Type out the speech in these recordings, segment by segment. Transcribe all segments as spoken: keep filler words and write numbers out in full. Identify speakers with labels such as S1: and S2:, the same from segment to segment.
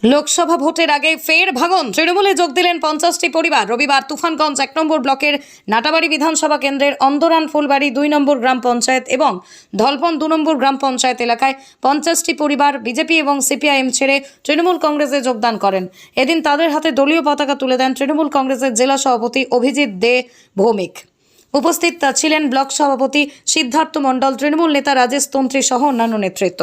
S1: লোকসভা ভোটের আগে ফের ভাঙন, তৃণমূলে যোগ দিলেন পঞ্চাশটি পরিবার। রবিবার তুফানগঞ্জ এক নম্বর ব্লকের নাটাবাড়ি বিধানসভা কেন্দ্রের অন্দরান ফুলবাড়ি দুই নম্বর গ্রাম পঞ্চায়েত এবং ধলপন দু নম্বর গ্রাম পঞ্চায়েত এলাকায় পঞ্চাশটি পরিবার বিজেপি এবং সিপিআইএম ছেড়ে তৃণমূল কংগ্রেসে যোগদান করেন। এদিন তাদের হাতে দলীয় পতাকা তুলে দেন তৃণমূল কংগ্রেসের জেলা সভাপতি অভিজিৎ দে ভৌমিক। উপস্থিত ছিলেন ব্লক সভাপতি সিদ্ধার্থ মণ্ডল, তৃণমূল নেতা রাজেশ তন্ত্রী সহ অন্যান্য নেতৃত্ব।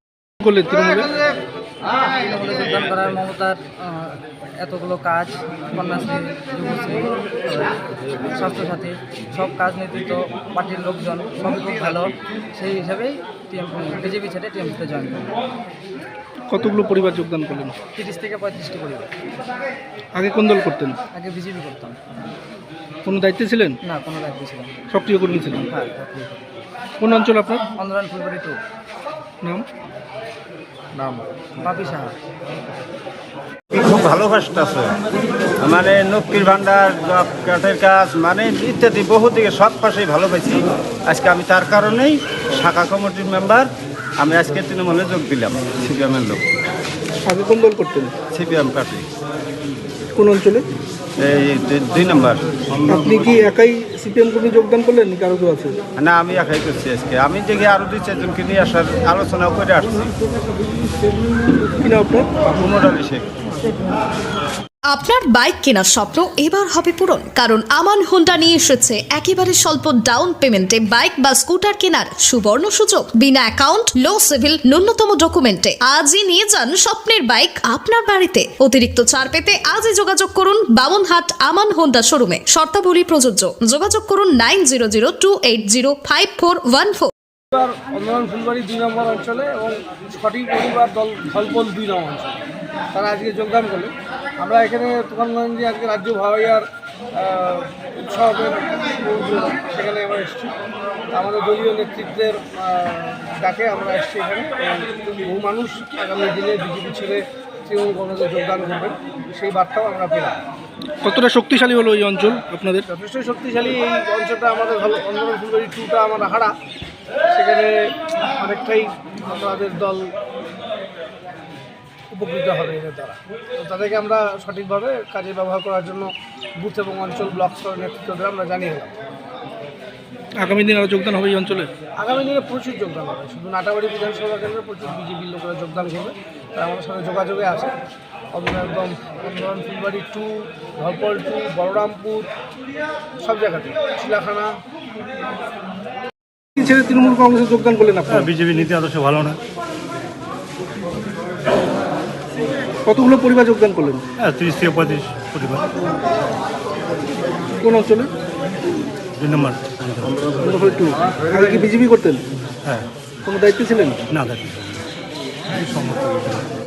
S2: তৃণমূলে যোগদান করার মমতার এতগুলো কাজ, কন্যাশ্রী, যুবশ্রী, স্বাস্থ্যসাথী, সব কাজ নেতৃত্ব পার্টির লোকজন সবই খুব ভালো। সেই হিসাবেই বিজেপি ছেড়ে টিএমসিতে জয়েন করেন।
S3: কতগুলো পরিবার যোগদান করলেন?
S2: তিরিশ থেকে পঁয়ত্রিশটি পরিবার।
S3: আগে কোন দল করতেন?
S2: আগে বিজেপি করতাম।
S3: কোনো দায়িত্বে ছিলেন?
S2: না, কোনো দায়িত্ব ছিলাম।
S3: সক্রিয় কর্মী ছিলেন?
S2: হ্যাঁ।
S3: কোন অঞ্চল আপনার?
S2: অন্দরান ফুলবাড়ি টু।
S3: নাম?
S2: নাম বাপি সাহা।
S4: খুব ভালোবাসতেছে, মানে লক্ষ্মীর ভান্ডার, কাঠের কাজ, মানে ইত্যাদি বহু দিকে সব পাশেই ভালো পাইছি। আজকে আমি তার কারণেই শাখা কমিটির মেম্বার, আমি আজকে তৃণমূলে যোগ দিলাম। সিপিএমের লোক।
S3: আগে কোন দল করতেন?
S4: CPM party.
S3: কোন অঞ্চলে?
S4: এই দুই নম্বর।
S3: আপনি কি একাই সিপিএম কর্মী যোগদান করলেন নাকি আরো কেউ আছে?
S4: না, আমি একাই করছি আজকে। আমি দেখি আরো দুই চারজনকে নিয়ে আসার আলোচনা করে আসছি।
S3: কিনা আপনার?
S4: কুমোর আলী শেখ।
S5: আপনার বাইক কেনার স্বপ্ন এবার হবে পূরণ, কারণ আমান হোন্ডা নিয়ে এসেছে একেবারে স্বল্প ডাউন পেমেন্টে বাইক বা স্কুটার কেনার সুবর্ণ সুযোগ। বিনা অ্যাকাউন্ট, লো সিভিল, ন্যূনতম ডকুমেন্টে আজই নিয়ে যান স্বপ্নের বাইক আপনার বাড়িতে। অতিরিক্ত ছাড় পেতে আজই যোগাযোগ করুন বামনহাট আমান হোন্ডা শোরুমে। শর্তাবলী প্রযোজ্য। যোগাযোগ করুন nine zero zero two eight zero five four one four.
S6: Andaran Phulbari দুই নম্বর অঞ্চলে এবং সঠিক পরিবার দল ধলপল দুই নম্বর অঞ্চলে তারা আজকে যোগদান করলে আমরা এখানে তুফানগঞ্জে আজকে রাজ্য ভাওয়াইয়ার উৎসবের সেখানে আমরা এসেছি। আমাদের দলীয় নেতৃত্বের ডাকে আমরা এসেছি এখানে। বহু মানুষ আগামী দিনে বিজেপি ছেড়ে তৃণমূল কংগ্রেসে যোগদান করবেন, সেই বার্তাও আমরা পেলাম।
S3: কতটা শক্তিশালী হলো এই অঞ্চল আপনাদের?
S6: যথেষ্ট শক্তিশালী এই অঞ্চলটা আমাদের। অন্দরান ফুলবাড়ি টুটা আমরা হারা, সেখানে অনেকটাই আমাদের দল উপকৃত হবে এদের দ্বারা। তো তাদেরকে আমরা সঠিকভাবে কাজে ব্যবহার করার জন্য বুথ এবং অঞ্চল ব্লক স্তরের নেতৃত্বদের আমরা জানিয়ে দিলাম।
S3: আগামী দিন আরও যোগদান হবে এই অঞ্চলে?
S6: আগামী দিনে প্রচুর যোগদান হবে। শুধু নাটাবাড়ি বিধানসভা কেন্দ্রে প্রচুর বিজেপির লোকেরা যোগদান করবে, তারা আমাদের সাথে যোগাযোগে আছে। একদম অন্দরান ফুলবাড়ি টু, ধলপল টু, বলরামপুর, সব জায়গাতে, চিলাখানা।
S3: ছেড়ে তৃণমূল কংগ্রেসে যোগদান করলেন আপনারা?
S7: বিজেপি নীতি আদর্শ ভালো না।
S3: কতগুলো পরিবার যোগদান করলেন?
S7: হ্যাঁ, তিরিশ থেকে পঁয়ত্রিশ পরিবার।
S3: কোন অঞ্চলে?
S7: দুই নম্বর।
S3: টু। আগে কি বিজেপি করতেন?
S7: হ্যাঁ।
S3: কোনো দায়িত্বে ছিলেন?
S7: না, দায়িত্ব